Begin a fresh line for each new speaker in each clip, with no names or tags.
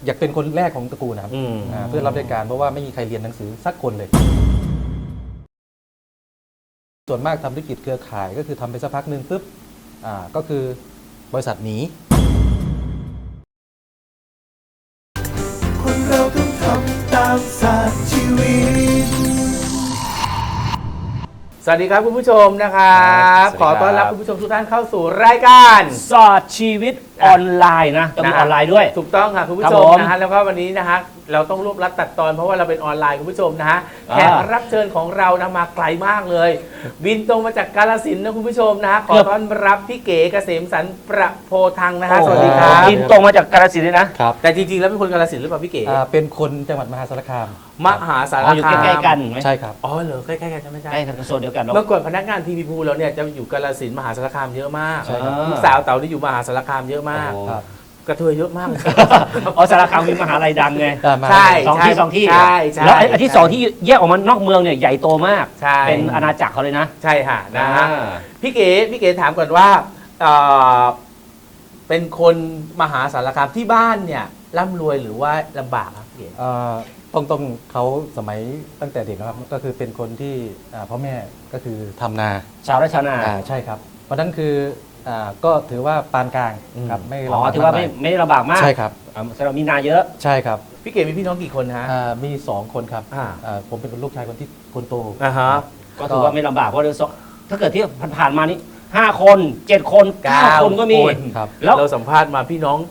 อยากเป็นคนแรกของตระกูลนะครับเพื่อรับราชการเพราะว่าไม่มีใครเรียนหนังสือสักคนเลยส่วนมากทำธุรกิจเครือข่ายก็คือทำไปสักพักหนึ่งปุ๊บก็คือบริษัทหนี
คนเราต้องทำตามศาสตร์ชีวิต
สวัสดีครับคุณผู้ชมนะครับขอต้อนรับคุณผู้ชมทุกท่านเข้าสู่รายการ
สอดชีวิตออนไลน์นะต้องมีออนไลน์ด้วย
ถูกต้องค่ะคุณผู้ชมนะฮะแล้วก็วันนี้นะฮะเราต้องรวบรัดตัดตอนเพราะว่าเราเป็นออนไลน์คุณผู้ชมนะฮะแขกรับเชิญของเรานะมาไกลมากเลยบินตรงมาจากกาฬสินธุ์นะคุณผู้ชมนะฮะขอต้อนรับพี่เก๋เกษมสรรประโพทังนะฮะสวัสดีครับ
บินตรงมาจากกาฬสินธุ์เลยนะครับ
แต่จริงๆแล้วเป็นคนกาฬสินธุ์หรือเปล่าพี่เก๋
เป็นคนจังหวัดมหาสารคาม
มหาสารคาม
อยู่ใกล้ๆกัน
ใช่ครับ
อ๋อเหรอใกล้ๆกันใช่ไหมใช่
ใกล้ทางโซนเดียวกัน
เมื่อก่อนพนักงานทีวีภูเราเนี่ยจะอยู่กาฬสินธุ์มหาสารคามเยอะมากลูกสาวเต๋าที่อยู่มหาสารคามเยอะมากกระเทยเยอะมากเลย
อ๋อสารคามมีมหาลัยดังไง
ใช่
สองที่
ใช่
แล้วไอ้ที่สองที่แยกออกมานอกเมืองเนี่ยใหญ่โตมาก
ใช่
เป็นอาณาจักรเขาเลยนะ
ใช่ค่ะนะฮะพี่เก๋ถามก่อนว่าเป็นคนมหาสารคามที่บ้านเนี่ยร่ำรวยหรือว่าลำบากครับพี่เก๋
ต้องเขาสมัยตั้งแต่เด็กนะครับก็คือเป็นคนที่พ่อแม่ก็คือทำนา
ชาวไร่ชาวนา
ใช่ครับเพราะนั้นคือก็ถือว่าปานกลางครับ
ไม่ลำบากถือว่าไม่ลำบากมาก
ใช่ครับ
แสดงมีนาเยอะ
ใช่ครับ
พี่เก๋มีพี่น้องกี่คนฮะ
มี2 คนครับผมเป็นลูกชายคนโต
ก็ถือว่าไม่ลำบากเพราะถ้าเกิดที่ผ่านมานี่5 คน7 คน9 คนก็มี
แล้วเราสัมภาษณ์มาพี่น้อง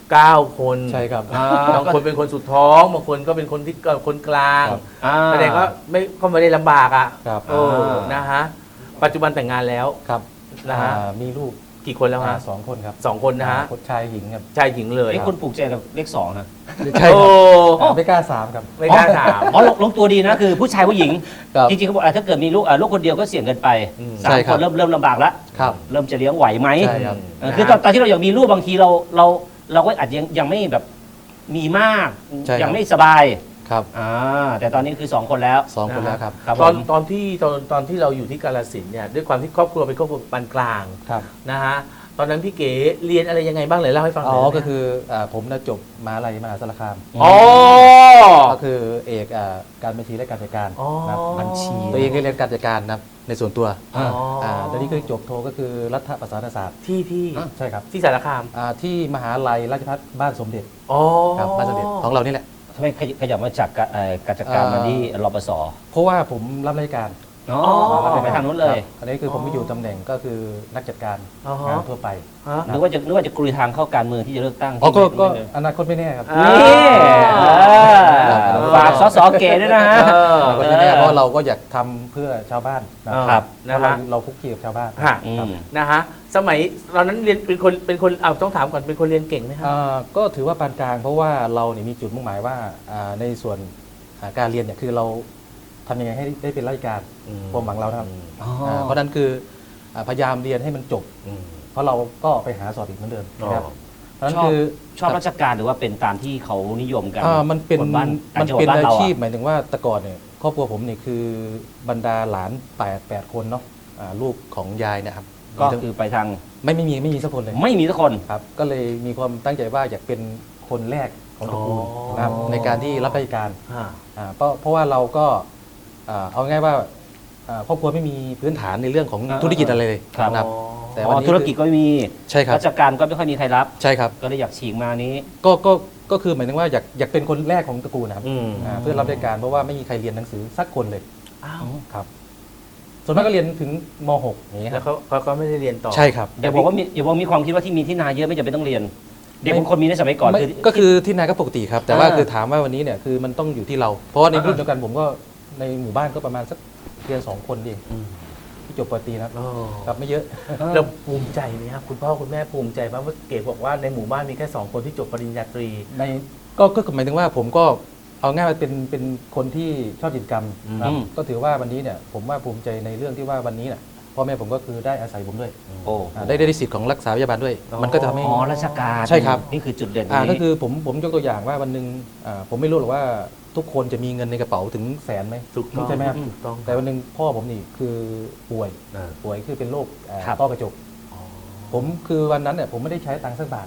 9 คน
ใช่ครับ
บางคนเป็นคนสุดท้องบางคนก็เป็นคนที่คนกลางแสดงว่าไม่ได้ลำบากอ่ะนะฮะปัจจุบันแต่งงานแล้ว
ครับ
นะฮะ
มีลูก
กี่คนแล้วฮะ
2 คนครับ
2 คนนะฮะ
ชายหญิงครับ
ชายหญิงเลย
ไอ้คุณปลูกใจกับเลข2นะ
ใช่ครับไม่กล้า3ครับ
ไม่กล้า3
อ๋อลงตัวดีนะคือผู้ชายผู้หญิงจริงๆเขาบอกถ้าเกิดมีลูกคนเดียวก็เสี่ยงเกินไป3 คนเริ่มลำบากแล้วเริ่มจะเลี้ยงไหวไหมคือตอนที่เราอยากมีลูกบางทีเราก็อาจยังไม่แบบมีมากยังไม่สบาย
ครับ
แต่ตอนนี้คือ2 คนแล้ว
2 คนแล้วครับ
ตอนที่เราอยู่ที่กาฬสินธุ์เนี่ยด้วยความที่ครอบครัวเป็นครอบครัวปานกลางนะฮะตอนนั้นพี่เก๋เรียนอะไรยังไงบ้างเลยเล่าให้ฟังหน่อย
ก็คือผมจบมหาลัยมหาสารคามก็คือเอกการบัญชีและการจัดการ
บัญชี
ตัวเองก็เรียนการจัดการนะในส่วนตัวตอนนี้คือจบโทก็คือรัฐประศาสนศาสตร์
ที่
ใช่ครับ
ที่สารคาม
ที่มหาลัยราชภัฏบ้านสมเด็จครับบ้านสมเด็จของเรานี่แหละ
ทำไมขยับมาจากการจัดการมาที่รปส.
เพราะว่าผมรับราชการ
ไปทางนู้นเลย
อันนี้คือผมไม่อยู่ตำแหน่งก็คือนักจัดการงานทั่วไป
หรือว่าจะกลุยทางเข้าการเมืองที่จะเลือกตั้ง
ก็อนาคตไม่แน่ครับ
นี่ฝากสสเก๋ด้วยนะฮะ
เพราะเราก็อยากทำเพื่อชาวบ้านนะครับเราคุกคีกับชาวบ้าน
นะฮะสมัยตอนนั้นเรียนเป็นคนต้องถามก่อนเป็นคนเรียนเก่งไหมครับ
ก็ถือว่าปานกลางเพราะว่าเราเนี่ยมีจุดมุ่งหมายว่าในส่วนการเรียนเนี่ยคือเราทำยังไงให้ได้เป็นราชการความหวังเราครับเพราะนั้นคือพยายามเรียนให้มันจบเพราะเราก็ไปหาสอบอีกเหมือนเดิมนะครับเพราะนั้นคือ
ชอบราชการหรือว่าเป็นตามที่เขานิยมกัน
มันเป็นอาชีพหมายถึงว่าแต่ก่อนเนี่ยครอบครัวผมเนี่ยคือบรรดาหลาน8 คนเนาะลูกของยายนะครับ
ก็คือไปทาง
ไม่มีสักคนเลย
ไม่มีสักคน
ครับก็เลยมีความตั้งใจว่าอยากเป็นคนแรกของตระกูลนะครับในการที่รับราชการเพราะว่าเราก็เอาง่ายว่าครอบครัวไม่มีพื้นฐานในเรื่องของธุรกิจอะไรเลย
ครับแต่วันนี้ธุรกิจก็ไม่มี
ใช่ครับ
ราชการก็ไม่ค่อยมีใครรับ
ใช่ครับ
ก็เลยอยากฉีกมานี้
ก็คือหมายถึงว่าอยากเป็นคนแรกของตระกูลนะครับเพื่อรับราชการเพราะว่าไม่มีใครเรียนหนังสือสักคนเลยครับส่วนมากก็เรียนถึงม.6 อย่างนี้
แล้วเขาก็ไม่ได้เรียนต่อ
ใช่ครับ
อย่าบอกว่ามีความคิดว่าที่มีที่นาเยอะไม่จำเป็นต้องเรียนเด็กบางคนมีในสมัยก่อน
ก็คือที่นาก็ปกติครับแต่ว่าคือถามว่าวันนี้เนี่ยคือมันต้องอยู่ที่เราเพราะว่าในรุ่นเดียวกันผมก็ในหมู่บ้านก็ประมาณสักเรียน2 คนเองที่จบปตรีนะครับไม่เยอะ
เราภูมิใจไหมครับคุณพ่อคุณแม่ภูมิใจไหมว่าเก๋บอกว่าในหมู่บ้านมีแค่2 คนที่จบปริญญาตรี
ก็หมายถึงว่าผมก็เอาง่ายว่าเป็นคนที่ชอบกิจกรรมก็ถือว่าวันนี้เนี่ยผมว่าภูมิใจในเรื่องที่ว่าวันนี้เนี่ยพ่อแม่ผมก็คือได้อาศัยผมด้วยได้สิทธิ์ของรักษาพยาบาลด้วยมันก็จะทำให้
ราชการ
ใช่ครับ
นี่คือจุดเด่น
ก็คือผมยกตัวอย่างว่าวันหนึ่งผมไม่รู้หรอกว่าทุกคนจะมีเงินในกระเป๋าถึงแสนไหมใช่ไหมครับแต่วันหนึ่งพ่อผมนี่คือป่วยคือเป็นโรคต้อกระจกผมคือวันนั้นเนี่ยผมไม่ได้ใช้ตังค์สักบาท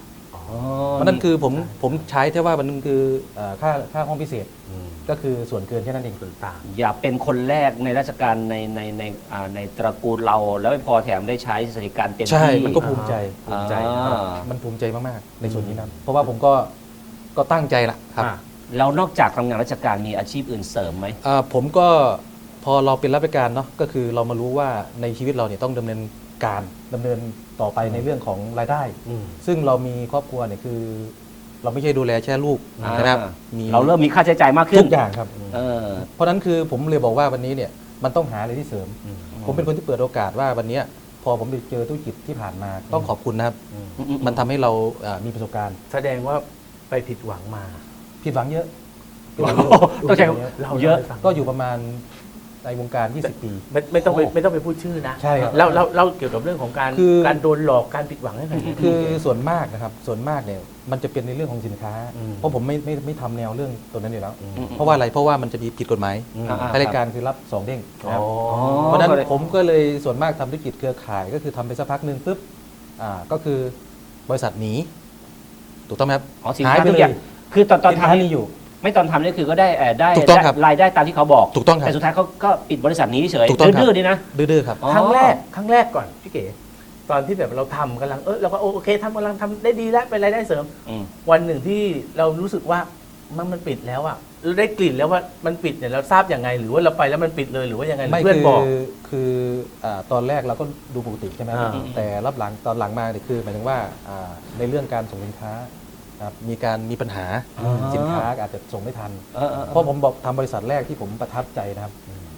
เพราะนั่นคือผมใช้แค่ว่ามันคือค่าห้องพิเศษก็คือส่วนเกินแค่นั้นเอง
ต่าง
อย่าเป็นคนแรกในราชการในตระกูลเรา แล้วไม่พอแถมได้ใช้สวัสดิการเต็มที่
ใช่มันก็ภูมิใจ
ภูมิใจ
มันภูมิใจมากๆในส่วนนี้นะเพราะว่าผมก็ตั้งใจละครับ
แล้วนอกจากทำงานราชการมีอาชีพอื่นเสริมไหม
ผมก็พอเราเป็นรับราชการเนาะก็คือเรามารู้ว่าในชีวิตเราเนี่ยต้องดำเนินต่อไปในเรื่องของรายได้ ซึ่งเรามีครอบครัวเนี่ยคือ เราไม่ใช่ดูแลแค่ลูกนะครับ
เราเริ่มมีค่าใช้จ่ายมากขึ้
ทุ
น
กอย่างครับ
เออ
เพราะนั้นคือผมเลยบอกว่าวันนี้เนี่ยมันต้องหาอะไรที่เสริม ผมเป็นคนที่เปิดโอกาสว่าวันเนี้ยพอผมไปเจอธุรกิจที่ผ่านมาต้องขอบคุณนะครับ มันทำให้เรามีประสบการณ์
แสดงว่าไปผิดหวังมา
ผิดหวังเยอะ
ต้องใช้
เรา
เยอะ
ล่าให้ฟัง
ก็อยู่ประมาณในวงการ 20 ปี
ไม่ต้องไปพูดชื่อนะ
ใช่ครับ
เล่าเกี่ยวกับเรื่องของการ
คือ
การโดนหลอกการผิดหวังให้หน่อย
คือส่วนมากนะครับส่วนมากเนี่ยมันจะเป็นในเรื่องของสินค้า เพราะผมไม่ทำแนวเรื่องตัวนั้นอยู่แล้ว เพราะว่าอะไรเพราะว่ามันจะมีผิดกฎหมาย รายการคือรับ2เด้งนะครับ เพราะฉะนั้นผมก็เลยส่วนมากทำธุรกิจเครือข่ายก็คือทำไปสักพักหนึ่งปุ๊บก็คือบริษัทหนีถูกต้องไหมครับ
อ๋อสิน
หาย
ค้า
ไป
ทุก
เล
อย่าง
ย
คือตอน
สินค้า
ทำ
มีอยู่
ไม่ตอนทำนี่คือก็ได้ได้
ถูกต้องครับ
รายได้ตามที่เขาบอก
ถูกต้องครับ
แต่สุดท้ายเขาก็ปิดบริษัทนี้เฉย
ถูกต้องครับ
ดื้อๆนี่นะ
ดื้อๆครับ
อ๋อ
ครั้งแรกก่อนพี่เก๋ตอนที่แบบเราทำกำลังเราก็โอเคกำลังทำได้ดีแล้วเป็นรายได้เสริม
อืม
วันหนึ่งที่เรารู้สึกว่ามันปิดแล้วอะเราได้กลิ่นแล้วว่ามันปิดเนี่ยเราทราบยังไง หรือว่าเราไปแล้วมันปิดเลยหรือว่ายังไงหรือ
ไม่
เพื่อนบอก
คือตอนแรกเราก็ดูปกติใช่ไหมครับ
อ่า
แต่รับหลังตอนหลังมาเนี่ยคือหมายถึงว่าในเรื่องการส่งสินค้านะครับมีปัญหาสินค้าอาจจะส่งไม่ทัน เพราะผมบอกทำบริษัทแรกที่ผมประทับใจนะครับ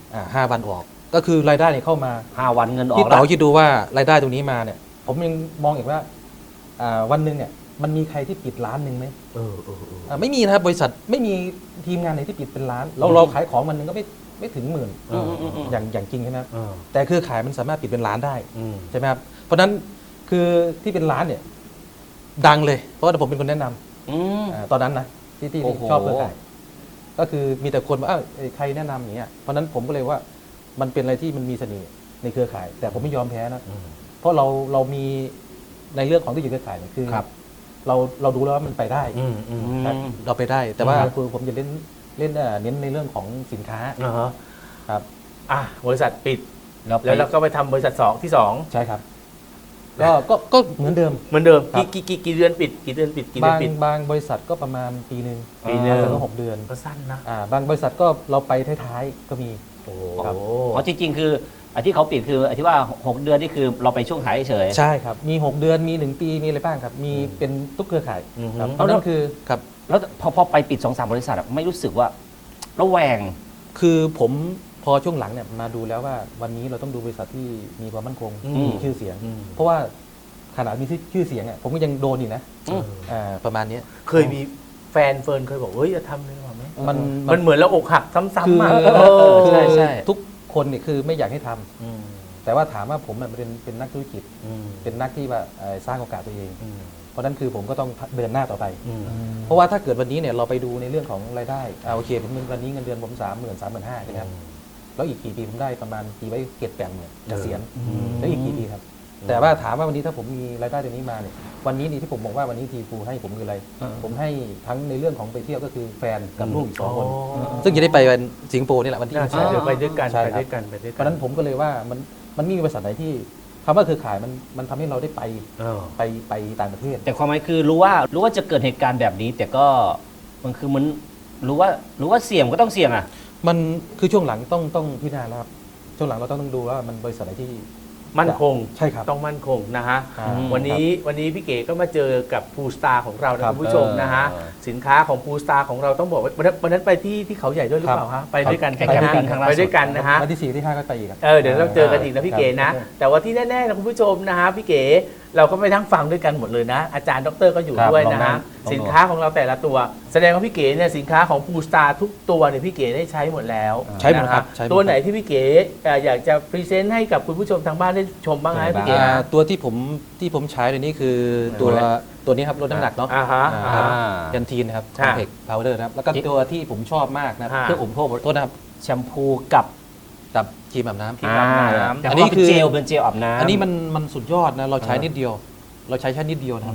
5 วันออก ก็คือรายได้เนี่ยเข้ามา
5 วันเงินออ
พี่
ก
เต๋า
แล้ว
คิดดูว่ารายได้ตรงนี้มาเนี่ย ผมยังมองอีกว่าวันหนึ่งเนี่ยมันมีใครที่ปิดร้านหนึ่งไหมไม่มีนะครับบริษัทไม่มีทีมงานไหนที่ปิดเป็นร้านเราขายของวันหนึ่งก็ไม่ถึงหมื่นอย่างจริงใช่ไหมครับแต่คือขายมันสามารถปิดเป็นร้านได้ใช่ไหมครับเพราะฉะนั้นคือที่เป็นร้านเนี่ยดังเลย เพราะว่าผมเป็นคนแนะนำตอนนั้นนะที่
โอ้โห
ชอบเครือข่ายก็คือมีแต่คนว่าใครแนะนำอย่างเงี้ยเพราะฉะนั้นผมก็เลยว่ามันเป็นอะไรที่มันมีเสน่ห์ในเครือข่าย แต่ผมไม่ยอมแพ้นะเพราะเรามีในเรื่องของธุรกิจเครือข่ายเนี่ยคือ
ครับ
เราดูแล้วว่ามันไปได้ ครับเราไปได้ แต่ว่า
อืม
คือผมจะเน้นเน้นในเรื่องของสินค้าครับ
บริษัทปิด
แล้ว
แล้วเราก็ไปทำบริษัทที่สอง
ใช่ครับก็เหมือนเดิม
เหมือนเดิม
ครับ
กี่เดือนปิดกี่เดือนปิดกี่เดือนปิด
บางบริษัทก็ประมาณปีหนึ่ง
ปีหนึ่ง
แล้วก็6 เดือน
ก็สั้นนะ
บางบริษัทก็เราไปท้ายๆก็มี
โอ้
ครับ
อ๋อจริงๆคืออันที่เขาปิดคืออันที่ว่า 6 เดือนนี่คือเราไปช่วงขายเฉย
ใช่ครับมี 6 เดือนมี 1 ปีมีอะไรบ้างครับ มีเป็นทุกเครือข่ายครับเพราะนั่นคือครับ
แล้วพอไปปิด 2-3 บริษัทอะไม่รู้สึกว่าระแวง
คือผมพอช่วงหลังเนี่ยมาดูแล้วว่าวันนี้เราต้องดูบริษัทที่มีความมั่นคงมีชื่อเสียง เพราะว่าขนาดมีชื่อเสียงอ่ะผมก็ยังโดนอยู่นะ
อืม
ประมาณเนี้ย
เคยมีแฟนเฟิร์นเคยบอกเฮ้ยจะทำเลยหรือเปล่าไหม
มัน
มันเหมือนเราอกหักซ้ำ
คือ
ๆอ่ะ
ใช่
ใช่
ทุกคนเนี่ยคือไม่อยากให้ทำแต่ว่าถามว่าผมอะเป็นนักธุรกิจ เป็นนักที่ว่าสร้างโอกาสตัวเอง เพราะนั้นคือผมก็ต้องเดินหน้าต่อไป เพราะว่าถ้าเกิดวันนี้เนี่ยเราไปดูในเรื่องของรายได้โอเคผมวันนี้เงินเดือนผม30,000-35,000ใช่ไหมครับแล้วอีกกี่ปีผมได้ประมาณปีไว้7-8 หมื่นเกษียณแล้วอีกกี่ปีครับ แต่ว่าถามว่าวันนี้ถ้าผมมีรายได้ตรงนี้มาเนี่ยวันนี้นี่ที่ผมบอกว่าวันนี้ทีฟูให้ผมคืออะไร ผมให้ทั้งในเรื่องของไปเที่ยวก็คือแฟนกับลูกอีก2 คน ซึ่งจะได้ไปวันสิงคโปร์นี่แหละวันที่
น่าใช่เดี๋ยวไปด้วยกัน
ใช่
ไป
ครับ
ด้วยกันไปด้วย
เพ
กั
ราะฉะนั้นผมก็เลยว่ามันไม่มีบริษัทไหนที่คำว่าเครือข่ายมันทำให้เราได้ไป
เออ
ไปต่างประเทศ
แต่ความหมายคือรู้ว่าจะเกิดเหตุการณ์แบบนี้ แต่ก็มันคือมันรู้ว่าเสี่ยงก็ต้องเสี่ยงอ่ะ
มันคือช่วงหลังต้องพิจารณาแล้วครับช่วงหลังเราต้องดูว่ามันบริษัทไหนที่
มั่นคง
ใช่ครับ
ต้องมั่นคงนะฮะ
อ่า
วันนี้พี่เก๋ก็มาเจอกับภูสตาร์ของเรานะครับ คุณผู้ชมนะฮะ
เออ
สินค้าของภูสตาร์ของเราต้องบอกว่าวันนั้นไปที่เขาใหญ่ด้วยหรือเปล่าฮะไปด้วยกัน
ไป
ใช่ไหม
แคมปิ้งครั้งล่าสุด
ไปด้วยกันนะฮะ
วันที่ 4 ที่ 5 ก็ไปอีกครับ
เดี๋ยวเราเจอกันอีกนะพี่เก๋นะ แต่ว่าที่แน่ๆนะคุณผู้ชมนะฮะพี่เก๋เราก็ไปนั่งฟังด้วยกันหมดเลยนะ อาจารย์ดรก็อยู่
ครับ
ด้วย
ลอง
นะ
นั่
ฮะ
ง
สินค้าของเราแต่ละตัว แสดงว่าพี่เก๋เนี่ยสินค้าของภูสตาร์ทุกตัวเนี่ยพี่เก๋ได้ใช้หมดแล้ว
ใช้หมดครับ
นะฮะ
ใช้หมด
ตัวไหนที่พี่เก๋อยากจะพรีเซนต์ให้กับคุณผู้ชมทางบ้านได้ชมบ้างไหมพี่เก๋
ตัวที่ผมใช้เลยนี่คือตัวนี้ครับลดน้ำหนักเนาะ
อ่าฮะ
ครับ
อ่า
ยันทีนนะครับค
ค่ะ
อมเพล็กพาวเดอร์นะครับแล้วก็ตัวที่ผมชอบมากนะครับ
ค่ะ
เครื่องอุปโภคโทษนะครับ
แชมพูกับ
กับครีมอาบน้ำ
ครีมอาบน้ำ
แต่
อัน
ว่า
นี้
เป็น
คือ
เจลอาบน้ำ
อันนี้มันสุดยอดนะเราใช้นิดเดียว เราใช้แค่นิดเดียวนะครับ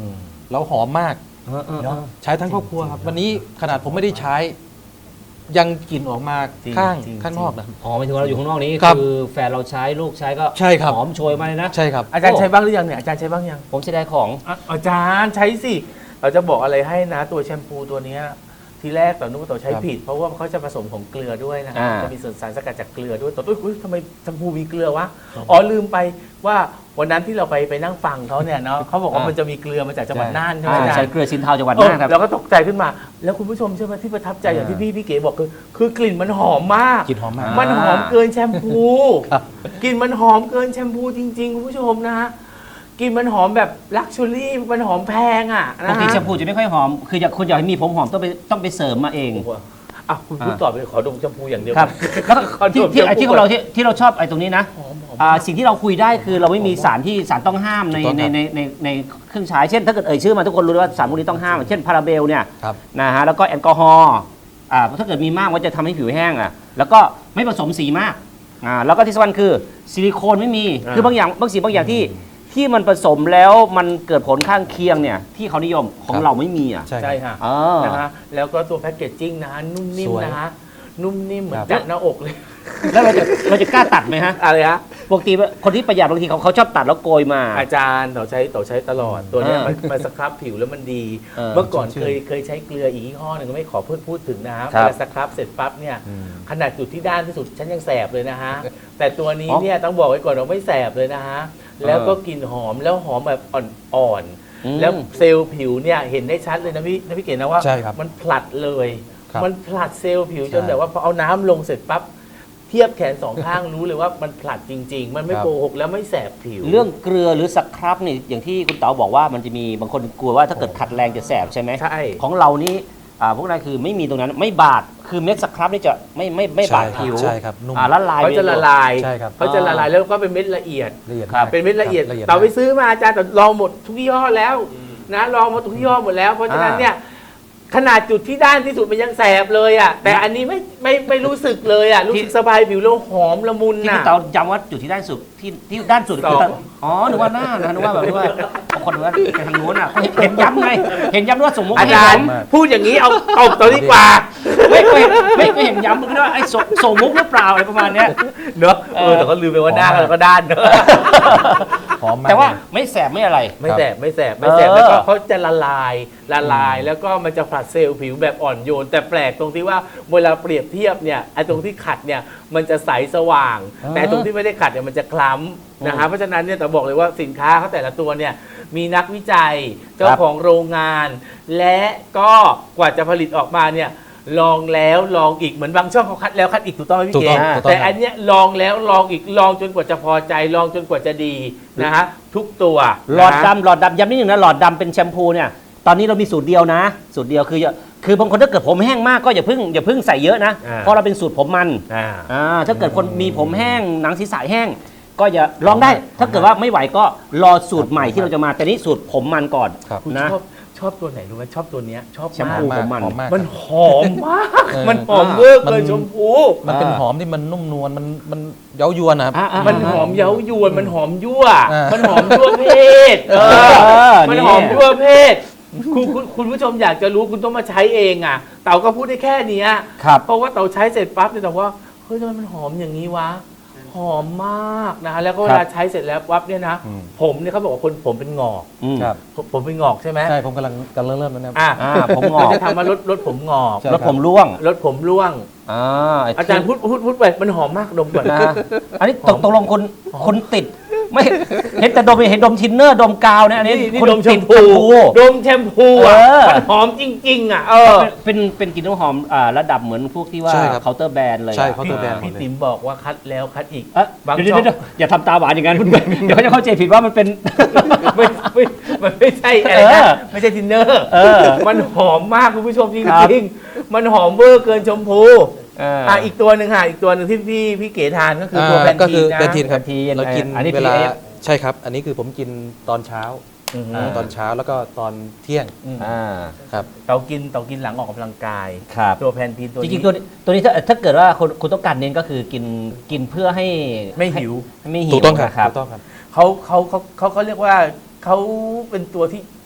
แล้วหอมมาก
เนาะ
ใช้ทั้งครอบครัวครับวันนี้ขนาดผมไม่ได้ใช้ยังกลิ่นออกมา
จริง
ข้าง
จริง
ข้างนอกนะ
อ๋อหมายถึงว่าเราอยู่ข้างนอกนี้
ครับ
คือแฟนเราใช้ลูกใช้ก็
ใช่ครับ
หอมโชยมาเลยนะ
ใช่ครับ
อาจารย์ใช้บ้างหรือยังเนี่ยอาจารย์ใช้บ้างยัง
ผมใช้ได้ของ
อาจารย์ใช้สิ เราจะบอกอะไรให้นะตัวแชมพูตัวเนี้ยทีแรกต่อนุกต่อใช้
ครับ
ผิด เพราะว่าเขาจะผสมของเกลือด้วยนะ
อ่า
จะมีส่วนสารสกัดจากเกลือด้วยต่อตุ้ยทำไมแชมพูมีเกลือวะอ๋อลืมไปว่าวันนั้นที่เราไปนั่งฟังเขาเนี่ยเนาะเขาบอกว่ามันจะมีเกลือมาจากจังหวัดน่านใช่ไหมอาจาร
ใช้
ย์
เกลือสินเทาจังหวัด
เออ
น่านครับ
เราก็ตกใจขึ้นมา แล้วคุณผู้ชมใช่ไหมที่ประทับใจอย่างที่พี่เก๋บอกคือกลิ่นมันหอมมาก
กลิ่นหอมมาก
มันหอมเกินแชมพู
ครับ
กลิ่นมันหอมเกินแชมพูจริงๆคุณผู้ชมนะฮะกลิ่นมันหอมแบบลักชัวรี่มันหอมแพงอ่ะ
ป
นะ
กติ
ฮะ
แชมพูจะไม่ค่อยหอม คืออยากคุณอยากให้มีผมหอมต้องไปเสริมมาเอง
อ่ะคุณพูดต่อไปขอดมแชมพูอย่างเดียว
ครับ แล้วก็
ขอด
ที่
ม
ที่
แชมพู
ที่ของเราที่เราชอบไอ้ตรงนี้นะ
หอม
สิ่งที่เราคุยได้คือเราไม่มีสารที่สารต้องห้ามใน
ถูกต้องครับ
ในเครื่องใช้เช่นถ้าเกิดเอ่ยชื่อมาทุกคนรู้ว่าสารพวกนี้ต้องห้าม เช่นพาราเบลเนี่ย
ครับ
นะฮะแล้วก็แอลกอฮอล์ถ้าเกิดมีมากก็จะทำให้ผิวแห้งอ่ะแล้วก็ไม่ผสมสีมากแล้วก็ที่สำคัญคือซิลิโคนไม่มีคือบางอย่างบางสิ่งบางอย่างที่มันผสมแล้วมันเกิดผลข้างเคียงเนี่ยที่เขานิยมของเราไม่มีอ่ะ
ใช่
ใช่
ครับ
ค่ะ
อ่า
นะฮะแล้วก็ตัวแพคเกจจิ้งนะฮะนุ่มนิ่ม
สวย
นะฮะนุ่มนิ่มเหมือน
ครับ
จัดหน้าอกเลย
แล้วเราจะกล้าตัดไหมฮะ
อะไรฮะ
ปกติคนที่ประหยัดบางทีเขาชอบตัดแล้วโกยมา
อาจารย์ต่อใช้ตลอดตัวเนี้ย
อ่า
มันสครับผิวแล้วมันดี
เออ
เมื่อก่อน
ชุ่มชื่
เคยใช้เกลืออีกยี่ห้อหนึ่งก็ไม่ขอพูดถึงนะฮะ
ครั
เว
บ
ลาสครับเสร็จปั๊บเนี่ย
อืม
ขนาดจุดที่ด้านที่สุดฉันยังแสบเลยนะฮะ แต่ตัวนี้
อ๋อ
เนี่ยต้องบอกไว้ก่อนว่าไม่แสบเลยนะฮะแล้วก็กลิ่นหอมแล้วหอมแบบอ่อนๆแล้วเซลล์ผิวเนี่ยเห็นได้ชัดเลยนะพี่เก๋นะว่า
ใช่ครับ
มันผลัดเลย
ครับ
มันผลัดเซลล์ผิว
ใช่
จนแบบว่าพอเอาน้ำลงเสร็จปั๊บเทียบแขนสองข้างรู้เลยว่ามันผลัดจริง ๆ มันไม่
ครับ
โกหกแล้วไม่แสบผิว
เรื่องเกลือหรือสครับนี่อย่างที่คุณเต๋าบอกว่ามันจะมีบางคนกลัวว่าถ้าเกิดขัดแรงจะแสบใช่ไหม
ใช่
ของเรานี่พวกนั้นคือไม่มีตรงนั้นไม่บาดคือเม็ดสครับนี่จะไม่บาดผิว
ใช่ครับนุ่ม
ละลาย
เขาจะละลาย
ใช่ครับ
เขาจะละลายแล้วก็เป็นเม็ดละเอียด
ละเอียด
ครับ
มาก
เป็นเม็ดละเอียด
ครับละเอียด
แต่ไป
มาก
ซื้อมาอาจารย์แต่ลองหมดทุกยี่ห้อแล้วนะลองมาทุกยี่ห้อหมดแล้วเพราะฉะนั้นเนี่ยขนาดจุดที่ด้านที่สุดมันยังแสบเลยอ่ะแต่อันนี้ไม่รู้สึกเลยอ่ะรู้สึกสบายผิวแล้วหอมละมุน
ที่
น่ะ
คุณเต๋าย้ำว่าจุดที่ด้านสุดที่ด้านสุดคือ
สอง
อ๋อนึกว่าหน้านะนึกว่าแบบว่าบางคนว่าไปทางโน้นอ่ะเห็นย้ำไงเห็นย้ำด้วยว่าสมมุติ
อาจารย์
มาก
พูดอย่างนี้เอาตัวดีกว่า
ไม่เห็นย้ำมันก็ว่าไอ้ส่งมุกหรือเปล่าอะไรประมาณเนี้ย
เนอะแต่ก็ลืมไปว่าหน้าเราก็ด้านเนอะ
หอมมาก
แต่ว่า
เลย
ไม่แสบไม่อะไร
ไม่แสบ
เออ
แล้วก็เขาจะละลายแล้วก็มันจะผลัดเซลล์ผิวแบบอ่อนโยน แต่แปลกตรงที่ว่าเวลาเปรียบเทียบเนี่ยไอ้ตรงที่ขัดเนี่ยมันจะใสสว่าง แต่ตรงที่ไม่ได้ขัดเนี่ยมันจะคล้ำนะฮะเพราะฉะนั้นเนี่ยแต่บอกเลยว่าสินค้าเขาแต่ละตัวเนี่ยมีนักวิจัยเจ้าของโรงงาน และก็กว่าจะผลิตออกมาเนี่ยลองแล้วลองอีกเหมือนบางช่องเขาคัดแล้วคัดอีกถูกต้องไหมพี่
ถูก
เก๋
ต้องถูกต้อง
แต่อันเนี้ยลองแล้วลองอีกลองจนกว่าจะพอใจลองจนกว่าจะดีนะฮะทุกตัว
หลอด
นะ
ดำย้ำนิดนึงนะหลอดดำเป็นแชมพูเนี่ยตอนนี้เรามีสูตรเดียวนะ สูตรเดียวคือบางคนถ้าเกิดผมแห้งมากก็อย่าเพิ่งใส่เยอะนะ เพราะเราเป็นสูตรผมมัน ถ้าเกิดคนมีผมแห้งหนังศีรษะแห้ง ก็อย่าลองได้ ถ้าเกิดว่าไม่ไหวก็รอสูตรใหม่ที่เราจะมาแต่นี้สูตรผมมันก่อน
ครับ
คุณ
นะ
ชอบตัวไหนรู้ไหมชอบตัวเนี้ยชอบ
แชม
มา
พู
ก
ผมมัน
หอมมาก
มันหอมมาก
เออ
มันหอมเวอร์เกินชมพู
มันเป็นหอมที่มันนุ่มนวลมันเย้ายวนนะครับ
มันหอมเย้ายวนมันหอมยั่ว
อ่ามั
มันหอมยั่วเพศมันหอมยั่วเพศคุณผู้ชมอยากจะรู้คุณต้องมาใช้เองอ่ะเต่าก็พูดได้แค่เนี้ย
ครับ
เพราะว่าเต่าใช้เสร็จปั๊บเนี่ยแต่ว่าเฮ้ยทำไมมันหอมอย่างนี้วะหอมมากนะแล้วก็เวลาใช้เสร็จแล้วปั๊บเนี่ยนะ
อืม
ผมเนี่ยเขาบอกว่าคนผมเป็นงอก
ครับ
ผมเป็นงอกใช่ไหม
ใช่ผมกำลังเริ่มแล้วนะครับ
อ่ะ
ผมงอก
เราจะทำมาลดผมงอก
ใช่
แล้วผมร่วง
ลดผมร่วง
ไ
อาจารย์พูดไปมันหอมมากดมก่อน
นะอันนี้ตกลงคนติดไม่เห็นแต่ดมเห็นดมทินเนอร์ดมกาวเนี่ยอันนี้
นี่
คน
ดมแช
ติ
ม
ด
พูดมแชมพูอ่ะ
เออ
มันหอมจริงๆอ่ะ
เป็นกลิ่นน้ำหอมระดับเหมือนพวกที่ว่า
ใช่ครับ
เคาน์เตอร์แบรนด์เลย
ใช่
อะ
เคาน์เตอร์แบรนด์
พี่ติ๋มบอกว่าคัดแล้วคัดอีก
เอ๊ะ
บาง
เดี๋ยว
ช่อง
เดี๋ยวอย่าทำตาหวานอย่างนั้นคุณเดี๋ยวเขาจะเข้าใจผิดว่ามันเป็น
มันไม่ใช่อะไรนะ ไม่ใช่ทินเนอร์ มันหอมมากคุณผู้ชมจ
ครับ
ริงๆมันหอมเวอร์เกินชมพูอีกตัวหนึ่งค่ะอีกตัวหนึ่งที่พี่เก๋ทานก็คือตัวแพน
ก็
ที
คือน
นะ
แพนทีนครับ
แพนทีน
เรากิน
อันนี้
เวลา
PF
ใช่ครับ อันนี้คือผมกินตอนเช้า
อือฮึ
ตอนเช้าแล้วก็ตอนเที่ยงครับ
เตากินหลังออกกำลังกาย
ครับ
ตัวแพนทีนตัว
จริ
นี้
งๆตัวนี้ถ้าเกิดว่าคุณต้องการเน้นก็คือกินเพื่อให้
ไม่หิว
ไม่หิว
ถูกต้องครับ
นะ
ถูกต้องครับ
เขาเรียกว่าเขาเป็นตัวที่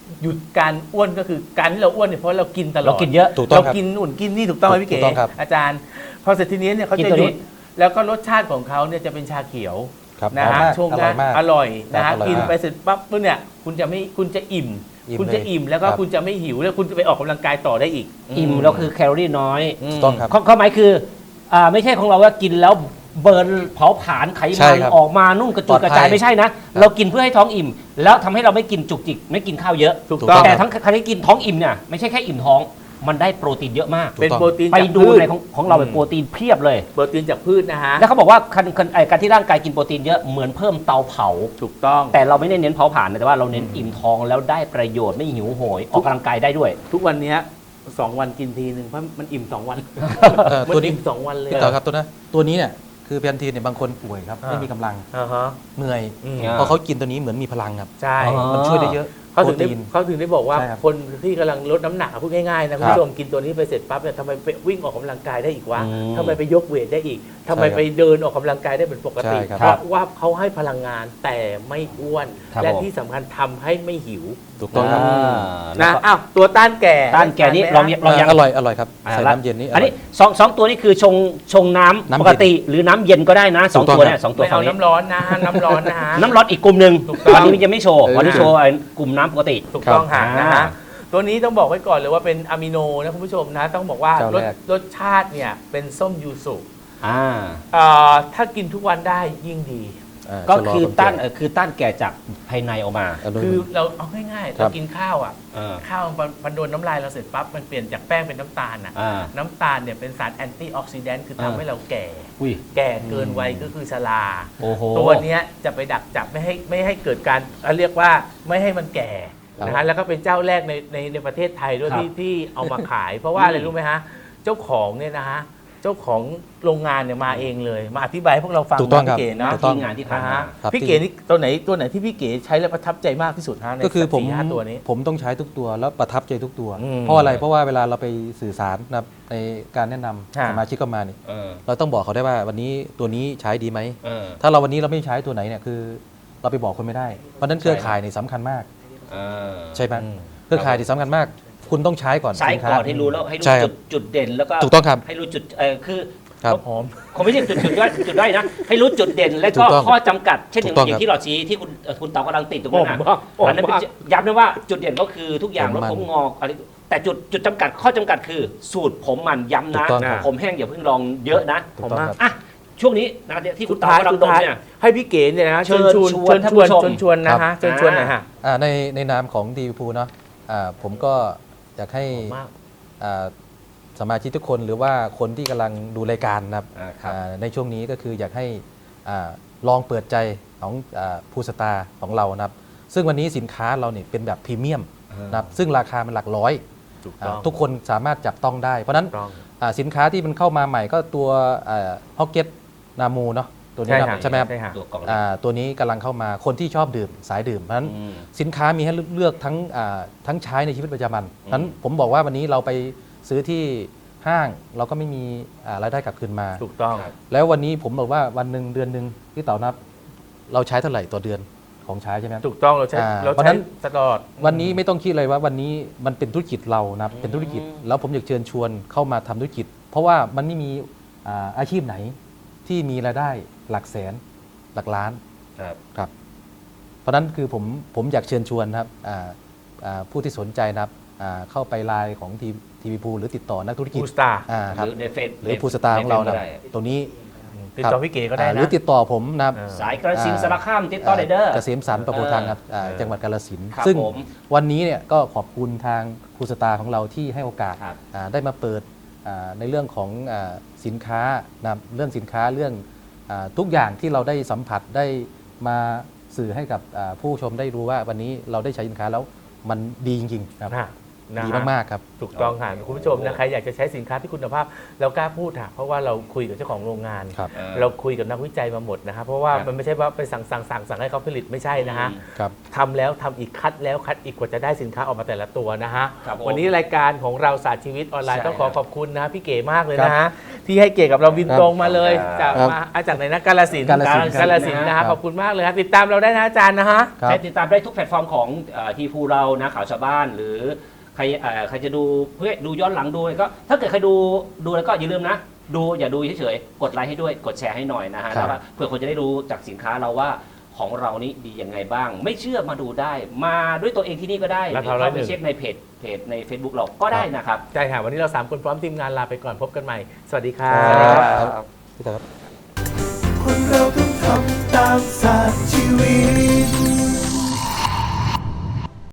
หยุดการอ้วนก็คือการที่เราอ้วนเนี่ยเพราะเรากินตลอด
เรากินเยอะ
ถูกต้อง
เรา
ครับ
กินอุ่นกินนี่ถูกต้องไหมพี่
ถู
เก๋
กต้องครับ
อาจารย์ พอเสร็จทีนี้เนี่ยเขา
กิน
จะ
ตัว
ห
นี้
ยุดแล้วก็รสชาติของเขาเนี่ยจะเป็นชาเขียว
ครับ
นะ
หอม
ฮะ
มาก
ช่วง
อร่อยมาก
อร่อยนะ
ครั
ฮะ
บอร่อย
กิน
มาก
ไปเสร็จปั๊บเนี่ยคุณจะอิ่ม
อิ่ม
คุณจะ
เลย
อิ่มแล้วก็
ครับ
คุณจะไม่หิวแล้วคุณจะไปออกกำลังกายต่อได้อีก
อิ่มแล้วคือแคลอรี่น้อย
ม
ถูกต้องครับ
ข้อหมายคือไม่ใช่ของเราว่ากินแล้วเบิร์นเผาผลาญไข
ใช่
มัน
ครับ
ออกมานุ่มกระจุยกระจาย
ปลอดภัย
ไม่ใช่นะ เรากินเพื่อให้ท้องอิ่ม แล้วทำให้เราไม่กินจุกจิกไม่กินข้าวเยอะ
ถูกต้อง
แต่ทั้งครั้งที่กินท้องอิ่มเนี่ยไม่ใช่แค่อิ่มท้อง มันได้โปรตีนเยอะมาก
เป็นโปรตีน
ไป
จาก
ดู
พืช
ในของเราเป็นโปรตีนเพียบเลย
โปรตีนจากพืชนะฮะ
แล้วเขาบอกว่าการที่ร่างกายกินโปรตีนเยอะเหมือนเพิ่มเตาเผา
ถูกต้อง
แต่เราไม่ได้เน้นเผาผลาญนะแต่ว่าเราเน้นอิ่มท้องแล้วได้ประโยชน์ไม่หิวโหยออกกำลังกายได้ด้วย
ทุกวันเนี้ย2 วันกินทีหนึ่งเพราะมันอิ่ม2 วัน มัน
ตัวนี้
อิ่ม2 วันเลย
พี่ต่อครับตัวนี้เนี่ยคือแพนทีนเนี่ยบางคนป่วยครับไม่มีกำลัง
อ่าฮะ
เหนื่อย
อืม
พอเขากินตัวนี้เหมือนมีพลังครับ
ใช่
อ๋อ
มันช่วยได้เยอะ
เขาถึง
โปร
ได้
ตีน
เขาถึงได้บอกว่า
ใช่ครับ
คนที่กำลังลดน้ำหนักพูดง่ายๆนะคุณ
ครับ
ผู้ชมกินตัวนี้ไปเสร็จปั๊บเนี่ยทำไมไปวิ่งออกกำลังกายได้อีกวะ
อืม
ทำไมไปยกเวทได้อีกทำไม
ใช่ครับ
ไปเดินออกกำลังกายได้เป็นปกติ
ใช่ครับ
เพราะว่าเขาให้พลังงานแต่ไม่อ้วน
ครับ
และ
ผม
ที่สำคัญทำให้ไม่หิว
ถูกต้องครับ
นะอ้าวตัวต้านแก่
ต้านแก่นี่ลองยัง
อร่อยครับใส่น้ำเย็นนี่
อันนี้
ร่ย
สองตัวนี้คือชงน้ำ
น้ำเย็น
ปกติหรือน้ำเย็นก็ได้นะสอง
ถูกต้อง
ตัวเนี่ย
ครับ
สองตัว
ไม่
ฝั่
เอา
งนี้
น้ำร้อนนะน้ำร้อนนะฮะ
น้ำร้อนอีกกลุ่มหนึ่ง
ถูกต้อง
วันนี้มันยังไม่โชว์
เออ
วันนี้โชว์กลุ่มน้ำปกติ
ถูกต้อง
ครั
ค่ะ
บ
นะฮะตัวนี้ต้องบอกไว้ก่อนเลยว่าเป็นอะมิโนนะคุณผู้ชมนะต้องบอกว่า
เจ้าร
ส
แรก
รสชาติเนี่ยเป็นส้มยูสุ
อ่า
ถ้ากินทุกวันได้ยิ่งดี
า
ก็
ชะล
คือ
วม
ต้าน
แก่
คือต้านแก่จากภายในออกมา
อนุมูล
คือเราเอาง่ายๆ
ครั
เรา
บ
กินข้าวอ่ะ
เออ
ข้าวมันโดนน้ำลายเราเสร็จปั๊บมันเปลี่ยนจากแป้งเป็นน้ำตาลอ่ะ
อ่า
น้ำตาลเนี่ยเป็นสารแอนตี้ออกซิแดนต์คือทำให้เราแก่
อุ้ย
แก่เกินวัยก็คือชรา
โอ้โห
ตัวเนี้ยจะไปดักจับไม่ให้เกิดการเรียกว่าไม่ให้มันแก่นะฮะแล้วก็เป็นเจ้าแรกในประเทศไทยด้วย
ครับ
ที่เอามาขาย เพราะว่าอะไรรู้ไหมฮะเจ้าของเนี่ยนะฮะเจ้าของโรงงานเนี่ยมาเองเลยมาอธิบายให้พวกเราฟัง
ถูกต้องครับ
พี่เก๋เนาะ
ถูกต้อง
ที่งานที่ผ่าน
นะ
มา
ฮะ
ครับ
พี่เก๋นี่ตัวไหนที่พี่เก๋ใช้แล้วประทับใจมากที่สุดฮะใน
ก็คือผม
4-5ตัวนี้
ผมต้องใช้ทุกตัวแล้วประทับใจทุกตัว
อืม
เพราะอะไรเพราะว่าเวลาเราไปสื่อสารนะครับในการแนะนำ
ฮะ
สมาชิกเข้ามานี่
เออ
เราต้องบอกเขาได้ว่าวันนี้ตัวนี้ใช้ดีไหม
เออ
ถ้าเราวันนี้เราไม่ใช้ตัวไหนเนี่ยคือเราไปบอกคนไม่ได้ เพราะฉะนั้นเครือข่ายนี่สำคัญมาก
เออ
ใช่ไหมเครือข่ายที่สำคัญมาก คุณต้องใช้ก่อน
ใช้
สินค้า
ก่อนให้รู้แล้วให้รู้
ใช่ครับ
จุดเด่นแล้วก็
ถูกต้องครับ
ให้รู้จุดคือ
ครับ
หอม
คงไม่ใช่จุดด้อยนะ ให้รู้จุดเด่นและ
ถู
ก็
กต้อง
ข้อจำกัด เช่นอ
ถู
ย่าง
กต้อง
อย่างที่หลอดชี้ที่คุณเต๋ากำลังติดตรงนั้น
ผม
นะ
ว่าผม
อันนั้นเป็น
ว่า
ย้ำนะว่าจุดเด่นก็คือทุกอย่าง
ผม
ลด
มัน
ผมงอกอะไรแต่จุดจำกัดข้อจำกัดคือสูตรผมมันย้ำ
ถู
นะ
กต้องครับ
ผมแห้งอย่าเพิ่งลองเยอะนะ
ถูกต้องครับ
อ่ะช่วงนี้นะครับที่คุ
สุ
ณ
ด
เต๋า
ท้าย
กำลัง
สุด
ดม
ท้าย
เนี่ย
ให้พี่เก๋เนี่ยนะ
เชิญชวนท่านผู้ชม
ชวนนะฮะเชิญชวนหน่อยฮะ
ในนามของดีพูเนาะผมก็อยากให้
มาก
อ่าสมาชิกทุกคนหรือว่าคนที่กำลังดูรายการนะครับ
ครับ
ในช่วงนี้ก็คืออยากให้ลองเปิดใจของผู้สตาร์ของเรานะครับ ซึ่งวันนี้สินค้าเราเนี่ยเป็นแบบพรีเมียมนะครับซึ่งราคามันหลักร้อย
ถูกต้อง
ทุกคนสามารถจับต้องได้ เพราะฉะนั้น
ถูกต้อง
สินค้าที่มันเข้ามาใหม่ก็ตัวฮอกเก็ตนามูเนาะตัวนี้นะใช่ไหมครับ
ใช่ฮะ
ตัวกล่อง
ตัวนี้กำลังเข้ามาคนที่ชอบดื่มสายดื่มเพราะฉะนั้น
อืม
สินค้ามีให้เลือกทั้งใช้ในชีวิตประจำวันนั้นผมบอกว่าวันนี้เราไปซื้อที่ห้างเราก็ไม่มีรายได้กลับคืนมา
ถูกต้อง
แล้ววันนี้ผมบอกว่าวันหนึ่งเดือนหนึ่งพี่เต๋านับ เราใช้เท่าไหร่ต่อเดือนของใช้ใช่ไหมครับ
ถูกต้องเราใช้
เพราะฉะนั้น
ตลอด
วันนี้ไม่ต้องคิดเลยว่าวันนี้มันเป็นธุรกิจเรานะครับเป็นธุรกิจแล้วผมอยากเชิญชวนเข้ามาทำธุรกิจ เพราะว่ามันไม่มีอาชีพไหนที่มีรายได้หลักแสนหลักล้าน
ครับ
ครับเพราะฉะนั้นคือผมอยากเชิญชวนนะครับผู้ที่สนใจนะครับเข้าไปไลน์ของทีวีพูหรือติดต่อนักธุรกิจ
Pool Star
ครับ
หรือในเฟซ
หรือผู้สตาร์ของเรานะตรงนี้
ติดต่อพี่เก๋ก็ได้
ห
นะ
รือติดต่อผมนะครับ
สายกระสินธุ์สารคามติดต่อได้เด้อ
เกษมสันต์ประโพทางครับจังหวัดกาฬสินธุ์
ครับ
ซึ่ง
ผม
วันนี้เนี่ยก็ขอบคุณทางครูสตาร์ของเราที่ให้โอกาส
ครับ
ได้มาเปิดในเรื่องของสินค้านะครับเรื่องสินค้าเรื่องทุกอย่างที่เราได้สัมผัสได้มาสื่อให้กับผู้ชมได้รู้ว่าวันนี้เราได้ใช้สินค้าแล้วมันดีจริงๆครับ
นะนะ
ดี
ฮะ
มากๆครับ
ถูกต้องค่ะคุณผู้ชมนะใครอยากจะใช้สินค้าที่คุณภาพเรากล้าพูดค่ะเพราะว่าเราคุยกับเจ้าของโรงงาน
ครับ
เราคุยกับนักวิจัยมาหมดนะครับเพราะว่า
ครับ
มันไม่ใช่ว่าไปสั่งให้เขาผลิตไม่ใช่นะฮะ
ครับ
ทำแล้วทำอีกคัดแล้วคัดอีกกว่าจะได้สินค้าออกมาแต่ละตัวนะฮะ
ครับผม
วันนี้รายการของเราศาสตร์ชีวิตออนไลน์
ใช่
ต้องขอ
ครับ
ขอบคุณนะพี่เก๋มากเลยนะฮะที่ให้เกียรติกับเราบินตรงมาเลย
ครับ
จากไหนนะกาฬสินธุ์
กาฬสินธุ์
กาฬสินธุ์นะ
ครั
ฮะ
บ
ขอบคุณมากเลยครับติดตามเราได้นะอาจารย์นะฮะ
ครับ
ใช้ติดตามได้ทุกแพลตฟอร์มของทีพูเรานะข่าวชาวบ้านหรือใครจะดูเพื่อดูย้อนหลังดูก็ถ้าเกิดใครดูแล้วก็อย่าลืมนะดูอย่าดูเฉยๆกดไลค์ให้ด้วยกดแชร์ให้หน่อยนะฮะ
ครับ
แล้วก็เพื่อคนจะได้รู้จากสินค้าเราว่าของเรานี้ดียังไงบ้าง ไม่เชื่อมาดูได้ มาด้วยตัวเองที่นี่ก็ได้ห
รา
รือ
คา
เข้าไป
101
เช็คในเพจใน Facebook เราก็ได้นะครับ
ใช่ค่ะวันนี้เรา3คนพร้อมทีมงานลาไปก่อนพบกันใหม่ สวัสดีครั
สวัสดี
บ
ครับพี่ตาครับ
คนเราต้องทำตามศาสตร์ชีวิต